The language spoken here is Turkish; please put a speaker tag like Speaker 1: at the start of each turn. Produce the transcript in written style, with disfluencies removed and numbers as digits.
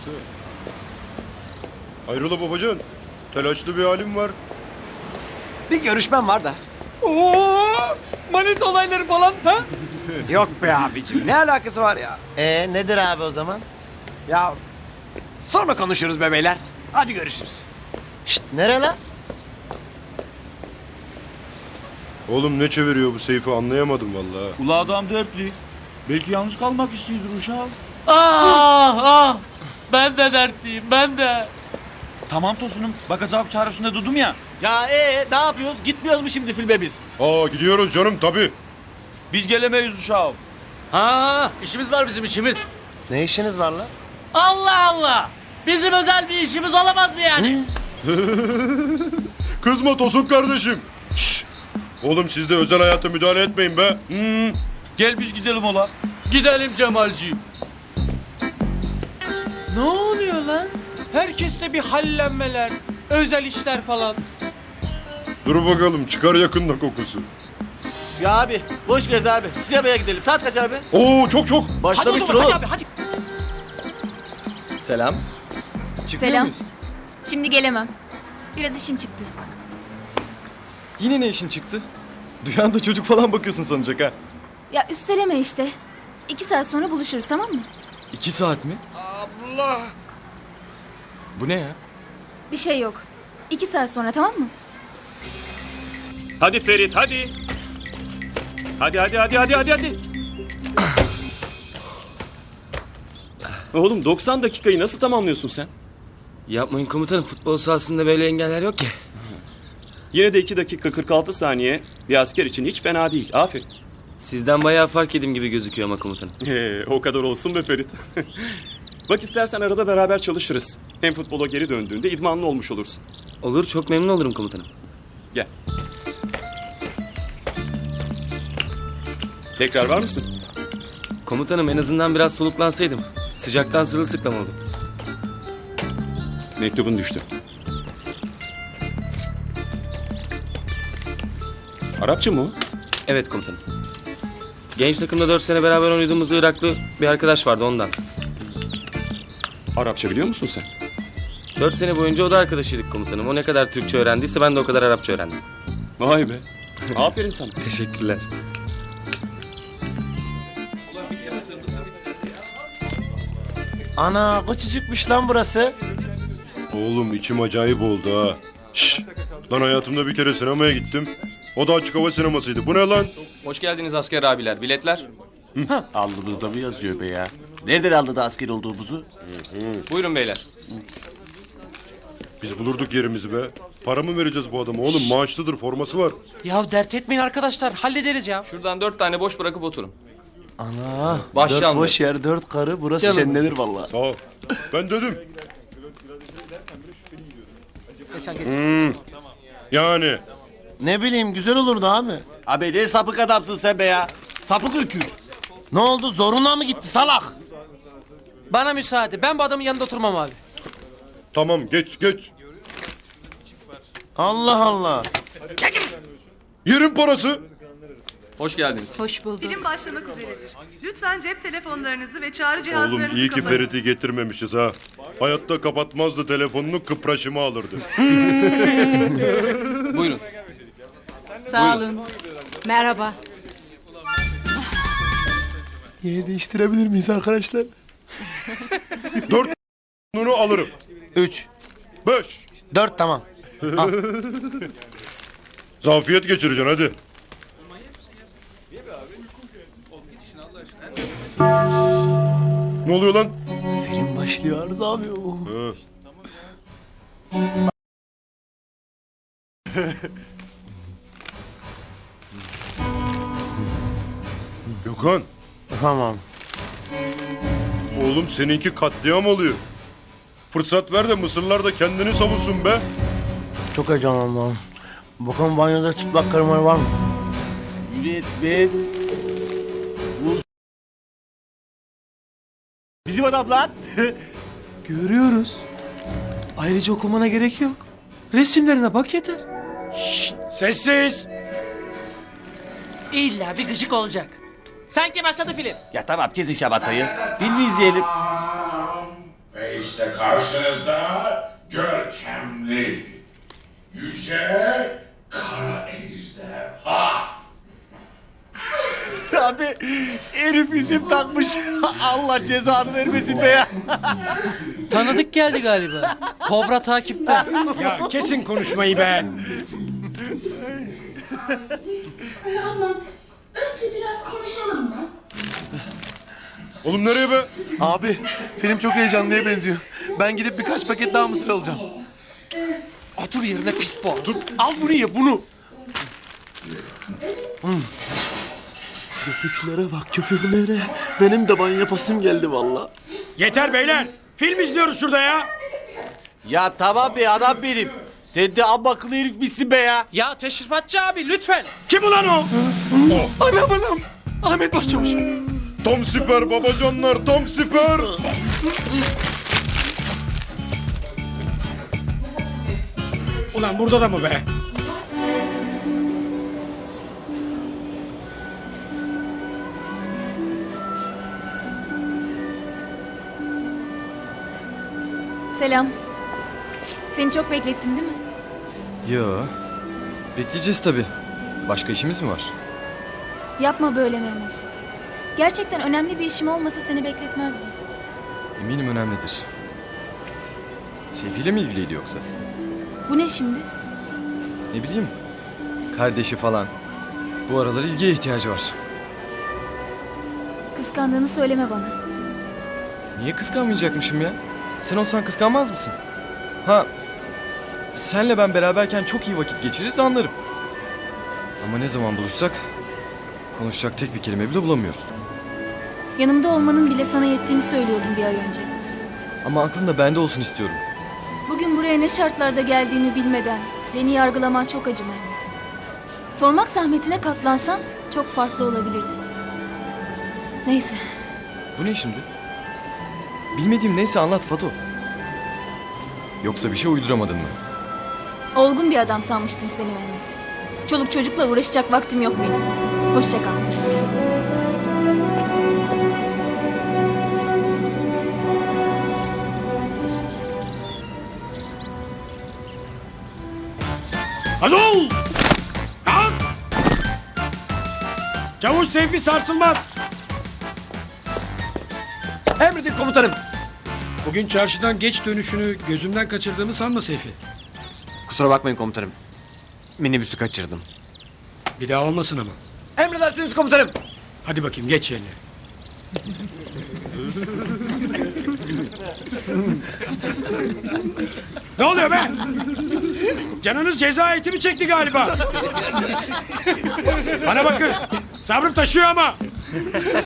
Speaker 1: Hayrola babacan? Telaşlı bir halim var.
Speaker 2: Bir görüşmem var da.
Speaker 3: Oo! Manet olayları falan ha?
Speaker 2: Yok be abicim, ne alakası var ya?
Speaker 4: Nedir abi o zaman?
Speaker 2: Ya sonra konuşuruz be beyler. Hadi görüşürüz.
Speaker 4: Şşt, nere lan?
Speaker 1: Oğlum ne çeviriyor bu Seyfi anlayamadım vallahi.
Speaker 5: Ula adam dertli. Belki yalnız kalmak istiyordur uşağım.
Speaker 3: Ah! Ben de dertliyim, ben de.
Speaker 5: Tamam Tosun'um. Bakacağım çaresinde durdum ya.
Speaker 6: Ya ne yapıyoruz? Gitmiyoruz mu şimdi filme biz?
Speaker 1: Aa gidiyoruz canım tabii.
Speaker 5: Biz gelemeyiz uşağım.
Speaker 3: Ha, işimiz var bizim işimiz.
Speaker 4: Ne işiniz var lan?
Speaker 3: Allah Allah! Bizim özel bir işimiz olamaz mı yani?
Speaker 1: Kızma Tosun kardeşim. Şşş. Oğlum siz de özel hayata müdahale etmeyin be.
Speaker 5: Gel biz gidelim ola.
Speaker 3: Gidelim Cemalciğim.
Speaker 7: Ne oluyor lan? Herkeste bir hallenmeler, özel işler falan.
Speaker 1: Dur bakalım çıkar yakında kokusu.
Speaker 6: Ya abi boş ver de abi. Sinemaya gidelim. Saat kaç abi?
Speaker 1: Oo çok.
Speaker 7: Hadi o
Speaker 6: Başlamıştır
Speaker 7: zaman
Speaker 6: oğlum.
Speaker 7: hadi abi hadi.
Speaker 6: Selam. Çıkmıyor
Speaker 8: Selam.
Speaker 6: muyuz?
Speaker 8: Şimdi gelemem. Biraz işim çıktı.
Speaker 6: Yine ne işin çıktı? Duyan da çocuk falan bakıyorsun sanacak ha.
Speaker 8: Ya üsteleme işte. 2 saat sonra buluşuruz, tamam mı?
Speaker 6: 2 saat mi?
Speaker 1: Allah.
Speaker 6: Bu ne ya?
Speaker 8: Bir şey yok. 2 saat sonra, tamam mı?
Speaker 9: Hadi Ferit hadi. Hadi. Oğlum 90 dakikayı nasıl tamamlıyorsun sen?
Speaker 3: Yapmayın komutanım, futbol sahasında böyle engeller yok ki.
Speaker 9: Yine de 2 dakika 46 saniye bir asker için hiç fena değil. Aferin.
Speaker 3: Sizden bayağı fark edim gibi gözüküyor ama komutanım.
Speaker 9: O kadar olsun be Ferit. Bak istersen arada beraber çalışırız. Hem futbola geri döndüğünde idmanlı olmuş olursun.
Speaker 3: Olur, çok memnun olurum komutanım.
Speaker 9: Gel. Tekrar var mısın?
Speaker 3: Komutanım en azından biraz soluklansaydım. Sıcaktan sırılsıklam oldum.
Speaker 9: Mektubun düştü. Arapça mı o?
Speaker 3: Evet komutanım. Genç takımda 4 sene beraber oynadığımız Iraklı bir arkadaş vardı ondan.
Speaker 9: Arapça biliyor musun sen?
Speaker 3: 4 sene boyunca o da arkadaşıydık komutanım. O ne kadar Türkçe öğrendiyse ben de o kadar Arapça öğrendim.
Speaker 9: Vay be. Aferin sana.
Speaker 3: Teşekkürler.
Speaker 4: Ana küçücükmüş lan burası.
Speaker 1: Oğlum içim acayip oldu ha. Şşş. Lan hayatımda bir kere sinemaya gittim. O da açık hava sinemasıydı. Bu ne lan?
Speaker 3: Hoş geldiniz asker abiler. Biletler.
Speaker 6: Alnımızda mı yazıyor be ya? Nereden aldı da asker olduğumuzu?
Speaker 3: Buyurun beyler.
Speaker 1: Biz bulurduk yerimizi be. Para mı vereceğiz bu adama oğlum? Maaşlıdır, forması var.
Speaker 7: Ya dert etmeyin arkadaşlar, hallederiz ya.
Speaker 3: Şuradan 4 tane boş bırakıp oturun.
Speaker 4: Ana.
Speaker 3: Başlı
Speaker 4: 4
Speaker 3: anlarız.
Speaker 4: boş yer 4 karı burası
Speaker 7: Canım.
Speaker 4: cennedir vallahi.
Speaker 1: Sağ ol. Ben dedim. Yani.
Speaker 4: Ne bileyim güzel olurdu abi.
Speaker 6: Abi ne sapık adamsın sen be ya. Sapık öküz.
Speaker 4: Ne oldu zoruna mı gitti salak?
Speaker 7: Bana müsaade, ben bu adamın yanında oturmam abi.
Speaker 1: Tamam geç.
Speaker 4: Allah Allah.
Speaker 1: Yerin parası.
Speaker 3: Hoş geldiniz.
Speaker 8: Hoş bulduk.
Speaker 10: Film başlamak üzeredir. Lütfen cep telefonlarınızı ve çağrı cihazlarınızı
Speaker 1: Oğlum iyi ki
Speaker 10: kapatın.
Speaker 1: Ferit'i getirmemişiz ha. Hayatta kapatmazdı telefonunu, kıpraşımı alırdı.
Speaker 3: Buyurun.
Speaker 8: Sağ olun. Merhaba.
Speaker 4: Yer değiştirebilir miyiz arkadaşlar?
Speaker 1: 4 alırım.
Speaker 4: 3.
Speaker 1: 5.
Speaker 4: 4 tamam.
Speaker 1: Zafiyet geçireceksin hadi. Ne oluyor lan?
Speaker 4: Film başlıyor Arız abi.
Speaker 1: Gökhan.
Speaker 4: Tamam.
Speaker 1: Oğlum seninki katliam oluyor. Fırsat ver de Mısırlar da kendini savunsun be.
Speaker 4: Çok heyecanlandım. Bakalım banyoda çıplak karılar var mı?
Speaker 6: Yönetmen. Bizim adam lan.
Speaker 7: Görüyoruz. Ayrıca okumana gerek yok. Resimlerine bak yeter.
Speaker 3: Sessiz.
Speaker 7: İlla bir gıcık olacak. Sanki başladı film.
Speaker 6: Ya tamam kesin şabatayı. Filmi izleyelim.
Speaker 11: İşte karşınızda görkemli, yüce, kara ejderha.
Speaker 5: Abi herif isim takmış. Allah cezanı vermesin be ya.
Speaker 7: Tanıdık geldi galiba. Kobra takipte.
Speaker 2: Ya kesin konuşmayı be.
Speaker 10: Aman önce biraz konuşalım mı?
Speaker 1: Oğlum nereye be?
Speaker 4: Abi film çok heyecanlıya benziyor. Ben gidip birkaç paket daha mısır alacağım.
Speaker 2: Otur yerine pis boğaz. Dur, al bunu ye bunu.
Speaker 4: Köpüklere bak köpüklere. Benim de banyo yapasım geldi valla.
Speaker 2: Yeter beyler. Film izliyoruz şurada ya.
Speaker 5: Ya tamam be adam benim. Sen de amma akıllı herif misin be ya?
Speaker 7: Ya teşrifatçı abi lütfen.
Speaker 2: Kim ulan o?
Speaker 6: Anam. Ahmet Başçavuş.
Speaker 1: Tam süper babacanlar, tam süper.
Speaker 2: Ulan burada da mı be?
Speaker 8: Selam. Seni çok beklettim değil mi?
Speaker 6: Yo. Bekleyeceğiz tabii. Başka işimiz mi var?
Speaker 8: Yapma böyle Mehmet. Gerçekten önemli bir işim olmasa seni bekletmezdim.
Speaker 6: Eminim önemlidir. Seyfi'yle mi ilgiliydi yoksa?
Speaker 8: Bu ne şimdi?
Speaker 6: Ne bileyim. Kardeşi falan. Bu aralar ilgiye ihtiyacı var.
Speaker 8: Kıskandığını söyleme bana.
Speaker 6: Niye kıskanmayacakmışım ya? Sen olsan kıskanmaz mısın? Ha, senle ben beraberken çok iyi vakit geçiririz anlarım. Ama ne zaman buluşsak konuşacak tek bir kelime bile bulamıyoruz.
Speaker 8: Yanımda olmanın bile sana yettiğini söylüyordum bir ay önce.
Speaker 6: Ama aklın da bende olsun istiyorum.
Speaker 8: Bugün buraya ne şartlarda geldiğimi bilmeden beni yargılaman çok acı Mehmet. Sormak zahmetine katlansan çok farklı olabilirdi. Neyse.
Speaker 6: Bu ne şimdi? Bilmediğim neyse anlat Fato. Yoksa bir şey uyduramadın mı?
Speaker 8: Olgun bir adam sanmıştım seni Mehmet. Çoluk çocukla uğraşacak vaktim yok benim. Hoşça kal.
Speaker 2: Hadi ol! Kalk! Çavuş Seyfi sarsılmaz.
Speaker 7: Emredin komutanım.
Speaker 2: Bugün çarşıdan geç dönüşünü gözümden kaçırdığımı sanma Seyfi.
Speaker 3: Kusura bakmayın komutanım. Minibüsü kaçırdım.
Speaker 2: Bir daha olmasın ama.
Speaker 7: Emredersiniz komutanım.
Speaker 2: Hadi bakayım geç yerine. Ne oluyor be? Canınız ceza eti mi çekti galiba? Bana bakın. Sabrım taşıyor ama.